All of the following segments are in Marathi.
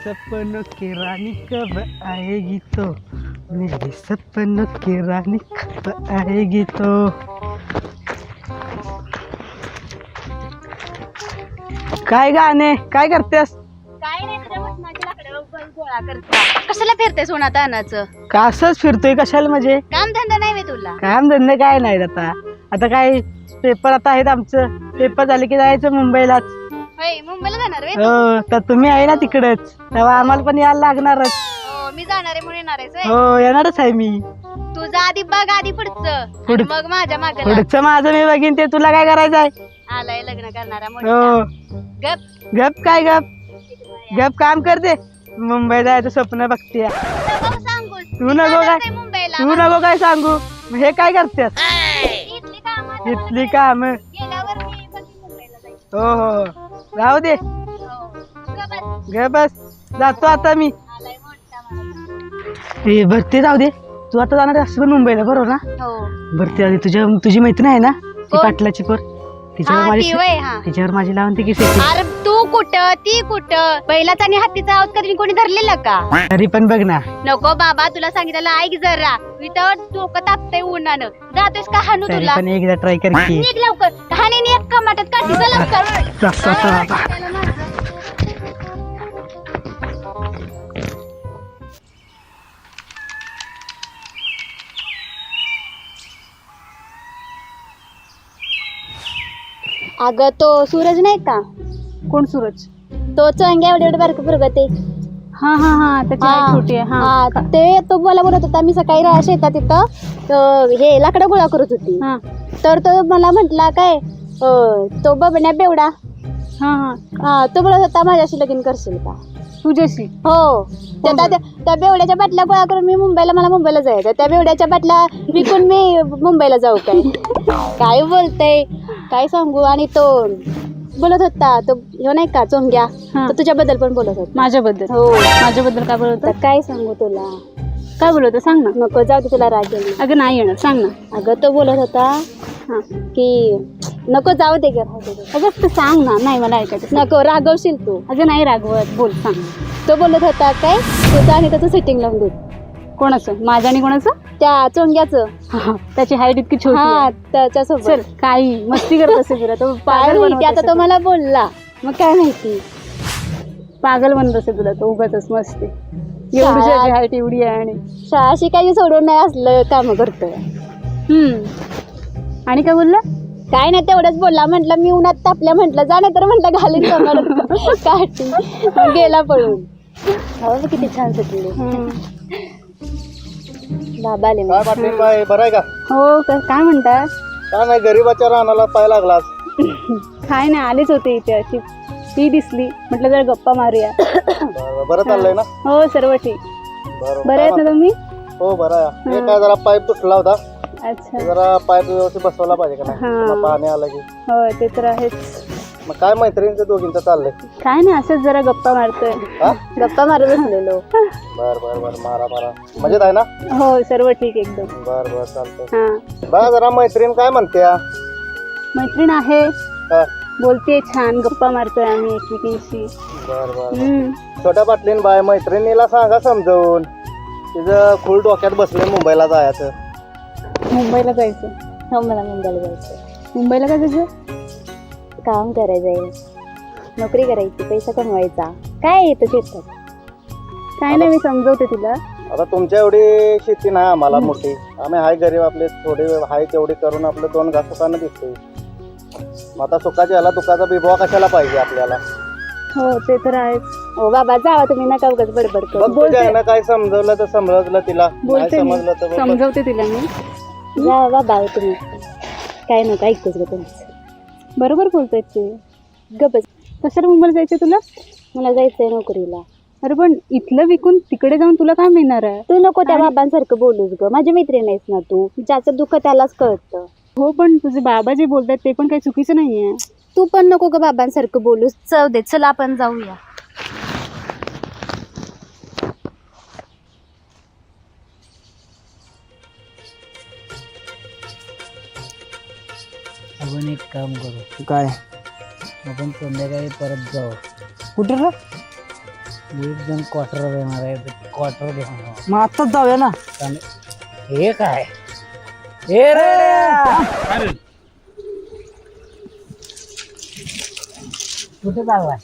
सपनों की रानी कब आएगी तो, मेरे सपनों की रानी कब आएगी तो. काय गाणे काय करतेस? काय नाही तुझ्या मटणाची लाकडं गोळा करता. कशाला फिरतेस उन्हात अनाचं? का असंच फिरतोय कशाला म्हणजे? काम धंदा नाही मी तुला. काम धंदे काय नाही आता. आता काय पेपर आता आहेत आमचं. पेपर झाले की जायचं मुंबईलाच. होय मुंबईला जाणार वे? हो तर तुम्ही आहे ना तिकडेच, तेव्हा आम्हाला पण यायला लागणारच. हो मी जाणार आहे म्हणून येणार आहेस. हो येणारच आहे मी. तुझं आधी बघ आधी पुढचं मग माझ्या मागे पुढचं माझं मी बघीन, ते तुला काय करायचं आहे? आलाय लग्न करणारा हो मोठा. गप गप काय गप गप काम करते. मुंबई जायचं स्वप्न बघते. नको सांगू. तू नको काय मुंबईला तू नको काय सांगू. मग हे काय करतेस? इथली कामं इथली काम. गेल्यावर मी पण मुंबईला जाईल. हो हो राहू दे. हो गप ग बस जातो आता मी. आलाय मोठा मला. हे भरती जाऊ दे. तू आता जाणार असं पण मुंबईला बरोबर ना? हो भरती आधी तुझी मैत्रीण आहे ना ती कोण? पाटलाची पोर. तिच्यावर हा माझी ती वय हा. तिच्यावर माझी लावून ती किती अरे तू कुठं ती कुठं बैलाचा आणि हत्तीचा आवाज कधी कोणी धरलेला का? तरी पण बघ ना. नको बाबा तुला सांगितलं ऐक जरा. इथं डोकं तापतंय उन्हानं. जातोयस का हाणू तरी तुला? पण एकदा ट्राय कर की. निघ लवकर. कहाणीने एक कमाटात काढती चल लवकर. जातो आता बाबा. अगं तो सूरज नाही का? कोण सूरज? तो चंग्या एवढे बारक फुरगते. हा हा हा त्याची आई छोटी आहे. हा ते तो मला बोलत होता मी सकाळी शेतात तिथं हे लाकडं गोळा करत होती. हा तर तो मला म्हटला काय तो बबण्या बेवडा. हा हा तो बोलत होता माझ्याशी लगीन करशील का? तुझ्याशी? हो त्या बेवड्याच्या बाटल्या गोळा करून मी मला मुंबईला जायचं. त्या बेवड्याच्या बाटल्या विकून मी मुंबईला जाऊ काय? काय बोलतय काय सांगू. आणि तो बोलत होता तो ह्यो नाही का चोंग्या तो तुझ्याबद्दल पण बोलत होता. माझ्याबद्दल? हो माझ्याबद्दल काय बोलत? तर काय सांगू तुला. काय बोलत सांग ना. नको जाऊ दे तुला राग येईल. अगं नाही येणार सांग ना. अगं तो बोलत होता की नको जाऊ दे ग. अगं तू सांग ना. नाही मला ऐकायचं. नको रागवशील तू. अगं नाही रागवत बोल सांग. तो बोलत होता काय तुझं आणि त्याचं सेटिंग लावून दे. कोणाचं? माझं आणि कोणाचं? त्या चोंग्याचं. त्याची हाईट इतकी छोटी हा आहे. त्याच्यासोबत. चल काही मस्ती करत असेल तुला तो काय पागल माहिती बनवत आता असेल तो मला बोलला मग काय माहिती. पागल बनत असेल तुला तो उगाच मस्ती. एवढी हाईट एवढी आहे आणि शाळा शिकायची सोडून नाही असलं काम करतोय. आणि काय बोलला? काय नाही तेवढंच बोलला. म्हटलं मी उन्हात तापल्या म्हटलं जा नाही तर म्हटलं घालीन समोर काठी. मग गेला पळून. हो किती छान सुटली. बाबा आले काय पाटील बाई बरं आहे का? हो काय म्हणता? काय नाही गरीबाच्या रानाला पाय लागलास. काय नाही आलेच होते इथे अशी ती दिसली म्हटलं जरा गप्पा मारूया. बरं चाललंय ना? हो सर्व ठीक. बरं आहेत ना तुम्ही? हो बरं आहे. हे काय जरा पाईप तुटला होता. अच्छा जरा पाईप व्यवस्थित बसवला पाहिजे का नाही? हा. पाणी आलं की हो ते तर आहेच. मग काय मैत्रिणीचं दोघींचं चाललंय? काय नाही असंच जरा गप्पा मारतोय. हा गप्पा मारत बसलेलो. बर बर बर मारा मजेत आहे ना? हो सर्व ठीक एकदम. बर बर चालतंय. हा बघा जरा मैत्रीण काय म्हणते? मैत्रीण आहे हा बोलते छान गप्पा मारतोय आम्ही एकमेकींशी. बर बर छोट्या पाटलीन बाय मैत्रिणीला सांगा समजवून. तिचं फुल डोक्यात बसले मुंबईला जायचं. मुंबईला जायचं? हो मला मुंबईला जायचं. मुंबईला काय जायचं? काम करायचंय. नोकरी करायची पैसा कमवायचा. काय येतं शेतात. काय नाही मी समजवते तिला. आता तुमच्या एवढी शेती नाही आम्हाला मोठी. आम्ही हाय गरीब आपले थोडी हाय तेवढी करून आपलं दोन घास सुखानं दिसतोय. मग आता सुखाच्या ह्याला दुखाचा बिबवा कशाला पाहिजे आपल्याला? हो ते तर आहेच. हो बाबा जावा तुम्ही नका उगाच बडबड करू. बघ तुझ्या ह्यानं काय समजवलं तर समजलं तिला. नाही बोलते मी समजलं तर बघ. समजवते तिला मी. जा बाबा तुम्ही काय नका ऐकतोच ग तुमचं. बरोबर बोलतायत ते. गपच. कशाला मुंबईला जायचं तुला? मला जायचंय नोकरीला. अरे पण इथलं विकून तिकडे जाऊन तुला काय मिळणार आहे? तू नको त्या बाबांसारखं बोलूस ग. माझी मैत्रीण आहेस ना तू. ज्याचं दुःख त्यालाच कळतं. हो पण तुझे बाबा जे बोलतात ते पण काही चुकीचं नाहीये. तू पण नको ग बाबांसारखं बोलूस. चव दे चला आपण जाऊया. आपण एक काम करू. काय? आपण संध्याकाळी परत जाऊ. कुठं रे? एक जण क्वार्टर देणार आहे क्वार्टर देणार मग आत्ताच जाऊया ना हे काय हे रे कुठे चाललाय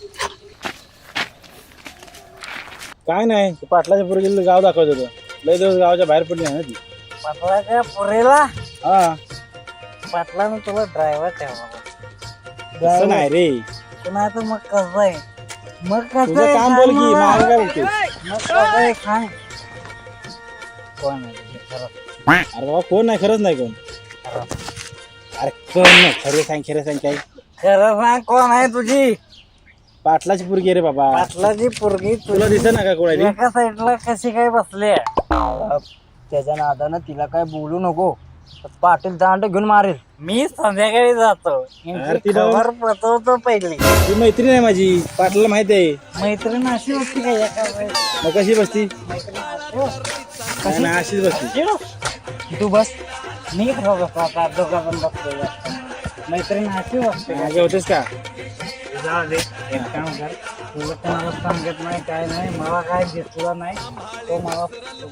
काय नाही पाटलाच्या पोरगीला गाव दाखवत होतं लय दिवस गावाच्या बाहेर पडली नाही ना ती पाटलाच्या पुरेला हा पाटलानं तुला ड्रायव्हर ठेवला तसं नाही रे पुन्हा तर मग कसं आहे मग कसं तुझं काम बोल की माझं काय बोलतोय मग कसं आहे सांग कोण आहे तुझे खरं अरे बाबा कोण नाही खरंच नाही कोण अरे कोण नाही खरे सांग काय खरं सांग कोण आहे तुझी पाटलाची पोरगी रे बाबा पाटलाची पोरगी तुला दिसत ना का कोणाची एका साईडला कशी काय बसले त्याच्या नादानं तिला काय बोलू नको पाटील दांड घेऊन मारेल मी संध्याकाळी जातो अरे तिला- खबर पचवतो पहिली ती मैत्रीण आहे माझी पाटलाला माहित आहे मैत्रीण अशी होती का एका वेळेस? मग कशी बसती मैत्रीण अशी होती? काय नाही अशीच बसती तू बस मी आता दोघा पण बसलो मैत्रीण अशी वाटते मागे होतेस का जाऊ दे एक काम कर तुला कोणाला सांगत नाही काय नाही मला काय दिसला नाही तो मला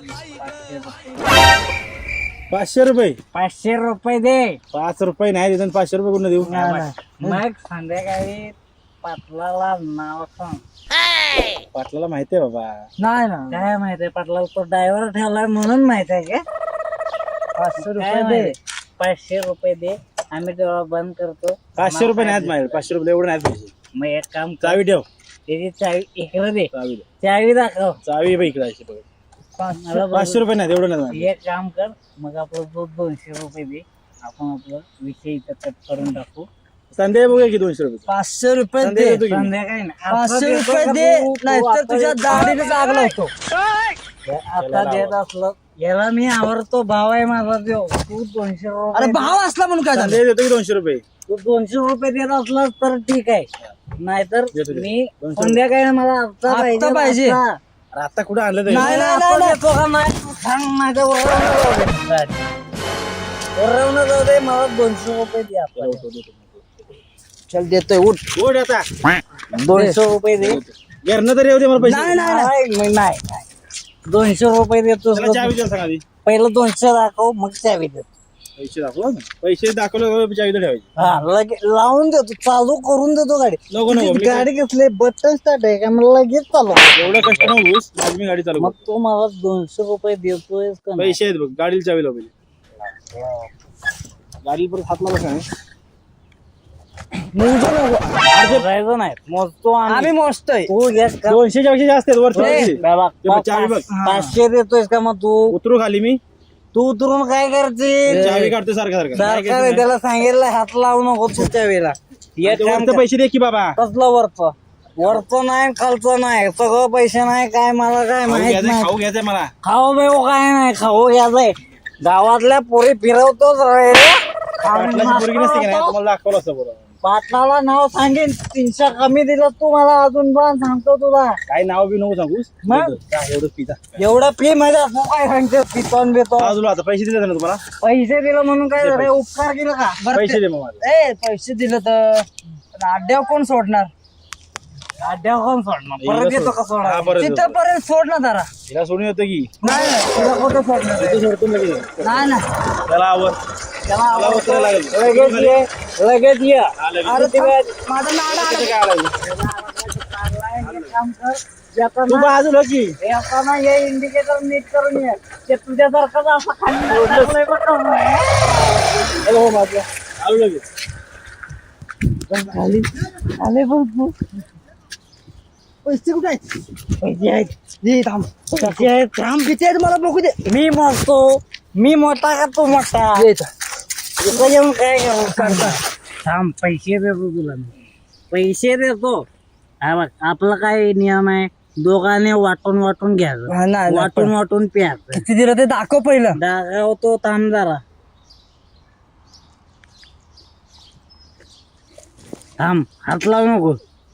500 रुपये 500 रुपये दे 5 रुपये नाही देतात 500 रुपये कुठं देऊ मग संध्याकाळी पाटलाला नाव सांग पाटलाला माहिती आहे बाबा नाही ना काय माहिती आहे पाटलाला तो ड्रायव्हर ठेवलाय म्हणून माहित आहे का 500 रुपये दे 500 रुपये दे आम्ही तेव्हा बंद करतो 500 रुपये नाहीत माझे 500 रुपये एवढे नाहीत पैसे मग एक काम कर चावी ठेव त्याची चावी इकडे दे चावी दे चावी दाखव चावी बाई इकडे अशी बघ मला 500 रुपये नाहीत एवढं नाही माझे. एक काम कर मग आपलं 200 रुपये दे आपण आपलं विषय इथं कट करून टाकू संध्याकाळी बघूया की 200 रुपये 500 रुपये संध्याकाळी देतो की मी. संध्याकाळी 500 रुपये दे नाहीतर तुझ्या दाढीने जाग लावतो आता देत असलं याला मी आवडतो भाव आहे माझा देव तू 200 रुपये अरे भाव असला म्हणून काय संध्याकाळी देतो की 200 रुपये तू 200 रुपये देत असला तर ठीक आहे नाहीतर देतो, देतो. मी 200 संध्याकाळी मला आता पाहिजे अरे आता कुठं आणलं तरी देतो का नाही तू सांग माझ्या वरवून जाऊ दे मला 200 रुपये दे आता चल देतोय उठ ओढ आता 200 रुपये दे घरनं तरी येऊ दे मला पैसे नाही 200 रुपये देतो त्याला चावी द्या सांगा आधी. पहिलं 200 दाखव मग चावी देतो पैसे दाखव पैसे दाखवलं चावी तर ठेवायची हा लगेच लावून देतो चालू करून देतो गाडी नको नको मी गाडी घेतली बटन स्टार्ट आहे का मला लगेच चालू एवढं कष्ट नकोस माझी मी गाडी चालू मग तू मला 200 रुपये देतोय का नाही? पैसे आहेत बघ गाडीला चावी लाव पहिले गाडीला परत हात लावा सांग मोजू नको जायचं नाही मोजतो आम्ही मोजतोय तू घेत का 200 च्या पेक्षा जास्त आहेत वर बाबा, चावी बघ 500 देतोयस का मग तू उतरू खाली मी तू उतरून काय करते चावी काढतो सारखं सरकार आहे, त्याला सांगितलं हात लावू नको तुझ्या वेळेला एक काम वरचं पैसे दे की बाबा कसलं वरचं नाही खालचं नाही सगळं पैसे नाही काय मला काय माहित नाही खाऊ घ्यायचंय मला खाऊ बेऊ काय नाही खाऊ घ्यायचंय गावातल्या पोरी फिरवतोच रे पाटलाची पोरगी नसते की नाही तुम्हाला दाखवलं असतं बरोबर पाटलाला नाव सांगेन 300 कमी दिलं तू मला अजून पण सांगतो तुला काय नाव बी नको सांगूस मग? एवढं पिता एवढं फी मध्ये असं काय सांगते पितोन बेतो बाजूला आता पैसे दिले ना तुम्हाला पैसे दिलं म्हणून काय झालं उपकार केलं का पैसे दे मग मला पैसे दिलं तर अड्ड्यावर कोण सोडणार अड्ड्यावर कोण सोडणार परत येतो का हा, सोडणार परत येतो. तिथपर्यंत सोड ना जरा तिला सोडून येतो की नाही तुला कुठं सोडणार इथे सोडतो लगेच. नाही ना त्याला आवर त्याला त्याला उचलायला लागेल. लगेच ये लगेच ये हा, लगेच. अरे ते माझं नाड तिथे काय आलं? काम कर तू येताना बाजूला की येताना हे इंडिकेटर नीट करून ये ते तुझ्यासारखंच असं खाली टाकलंय बघ का. चल हो बाजूला आलो लगेच खाली आले बघ पैसे कुठे आहेत पैसे आहेत दे थांब किती आहेत थांब किती आहेत मला बघू दे मी मोजतो मी मोठा का तू मोठा इथं येऊन काय करू थांब पैसे देतो तुला मी पैसे देतो हा बघ आपला काय नियम आहे दोघांनी वाटून वाटून घ्यायचं वाटून वाटून प्यायचं किती दिलं ते दाखव पहिलं दाखवतो थांब जरा थांब हात लावू नको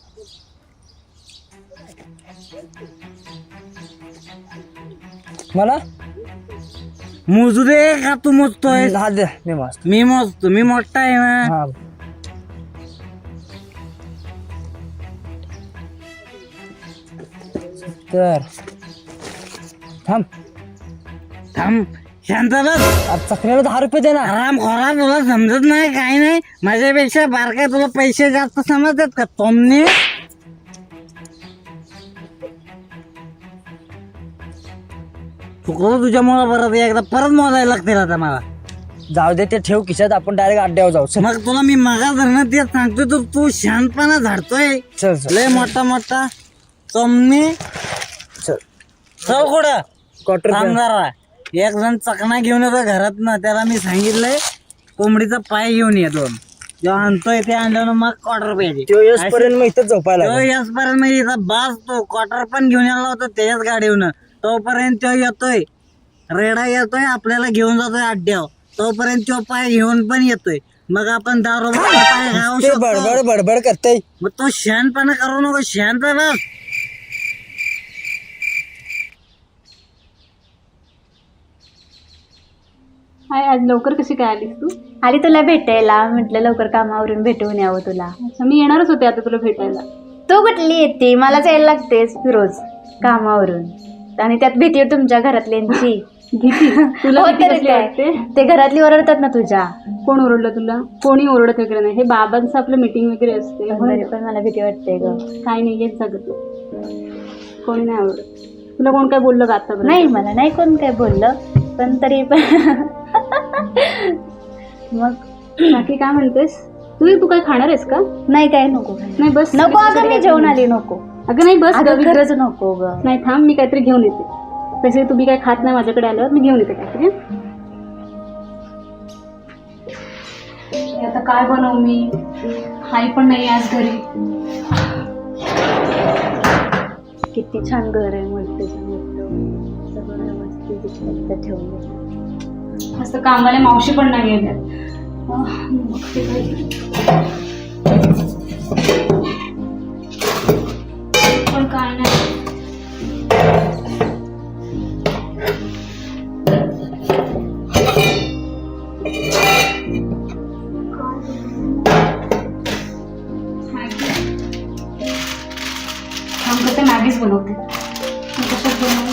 मला मोजू दे का तू मोजतोय मी मोजतो मी मोठा आहे ना तर थांब थांब शांत बस. आज चकण्याला 10 रुपये दे ना. आराम खोरा, तुला समजत नाही काय नाही. माझ्यापेक्षा बारका तुला पैसे जास्त समजतात का तोमने? चुकलं तुझ्यामुळे परत परत मोजायला लागतील आता मला. जाऊ दे ते ठेव खिशात, आपण डायरेक्ट अड्ड्यावर जाऊ. चल मग तुला मी मगा धरणं तेच सांगतोय, तर तू शांतपणा झाडतोय चल चल लय मोठा तोमने. चल चल कुठं क्वार्टर थांब जरा. एक जण चकना घेऊन येतो घरात ना, त्याला मी सांगितलंय कोंबडीचा पाय घेऊन येतो. जेव्हा आणतोय ते आणल्यानं मग क्वार्टर पाहिजे. तो येसपर्यंत मग इथंच झोपायला तो लागेल. याचपर्यंत मी इथं बास तो क्वार्टर पण घेऊन यायला होता त्याच्याच गाडीवरून. तोपर्यंत तो येतोय, रेडा येतोय, आपल्याला घेऊन जातोय अड्ड्यावर. तोपर्यंत तो पाय घेऊन पण येतोय. मग आपण दारू पाय खाऊ ते शकतो. बडबड बडबड करते. मग तो शांतपणा करू नको, शांत बस. हाय, आज लवकर कशी काय आलीस तू? आली तुला भेटायला, म्हटलं लवकर कामावरून भेटून यावं तुला. अच्छा, मी येणारच होते आता तुला भेटायला. तू कुठली येते? मलाच यायला लागतेस रोज कामावरून, आणि त्यात भीती आहे तुमच्या घरातल्यांची. तुला हो तर काय, ते घरातली ओरडतात ना तुझ्या. कोण ओरडलं तुला? कोणी ओरडत वगैरे नाही. हे बाबांचं आपलं मीटिंग वगैरे असते. पण मला भीती वाटते ग. काय नाही, येत सगळं. कोणी नाही आवडत. तुला कोण काय बोललं का आता? नाही, मला नाही कोण काय बोललं, पण तरी पण मग बाकी काय म्हणतेस तू काय खाणार आहेस का? नाही, काय नको. नाही बस. नको अगं, मी जेवण आली. नको अगं नाही बस. खरंच नको ग. नाही थांब, मी काहीतरी घेऊन येते. तसे तुम्ही काय खात नाही माझ्याकडे आल्यावर, मी घेऊन येते काहीतरी. आता काय बनवू मी? आई पण नाही आज घरी. किती छान घर आहे, मस्त सगळं व्यवस्थित ठेवलं. असं कामाला मावशी पण नाही गेल्या. पण काय नाही. मॅगीच बनवते. कशात बनवू?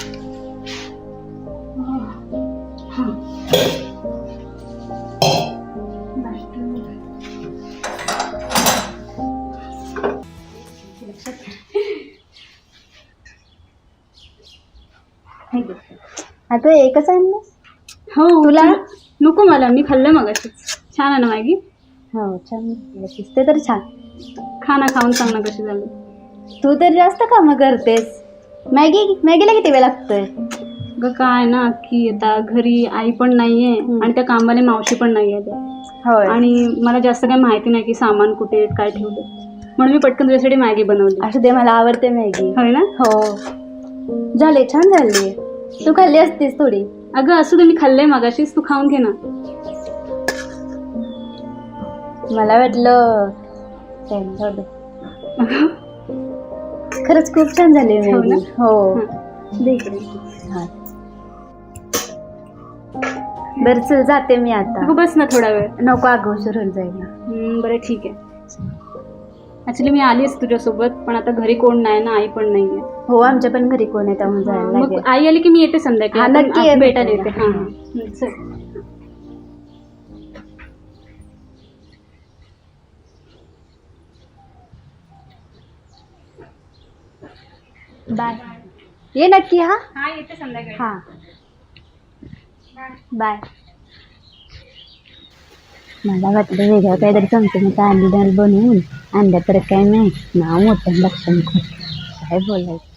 आता एकच आहे ना? हो. तुला नको, मला मी खाल्लं मगाशी. छान आहे ना मॅगी? हो छान दिसते तर छान. खाना खाऊन सांग ना कशी झाली. तू तर जास्त कामं करतेस. मॅगीला किती वेळ लागतोय? ग काय ना की आता घरी आई पण नाहीये आणि त्या कामाला मावशी पण नाहीये. होय. आणि मला जास्त काही माहिती नाही की सामान कुठे काय ठेवलं, म्हणून मी पटकन तुझ्यासाठी मॅगी बनवली. असू दे, मला आवडते मॅगी. होय ना? हो झाले, छान झाली. तू खाल्ली असतीस थोडी. अगं असू दे, मी खाल्लंय मगाशीच, तू खाऊन घे ना. मला वाटलं खरंच खूप छान झाली हो ना? हो. दे इकडे. बरं चल, जाते मी आता. अगं बस ना थोडा वेळ. नको अगं, उशीर होऊन जाईल ना. बरं ठीक आहे. ऍक्च्युली मी आलीच तुझ्यासोबत, पण आता घरी कोण नाही ना, आई पण नाहीये. हो, आमच्या पण घरी कोण आहे, त्यामुळे जायला मग लागेल. आई आली की मी येते संध्याकाळी. हा, नक्की आपण ये भेटायला येते. भेटायला. हां चल. बाय. ये नक्की. हा हा, येते संध्याकाळी. हा, बाय. मला वाटलं वेगळं काहीतरी चमचमीत अंडी बनवून अंड्या तर काय नाही, नाव मोठं लक्षण काय बोलायचं.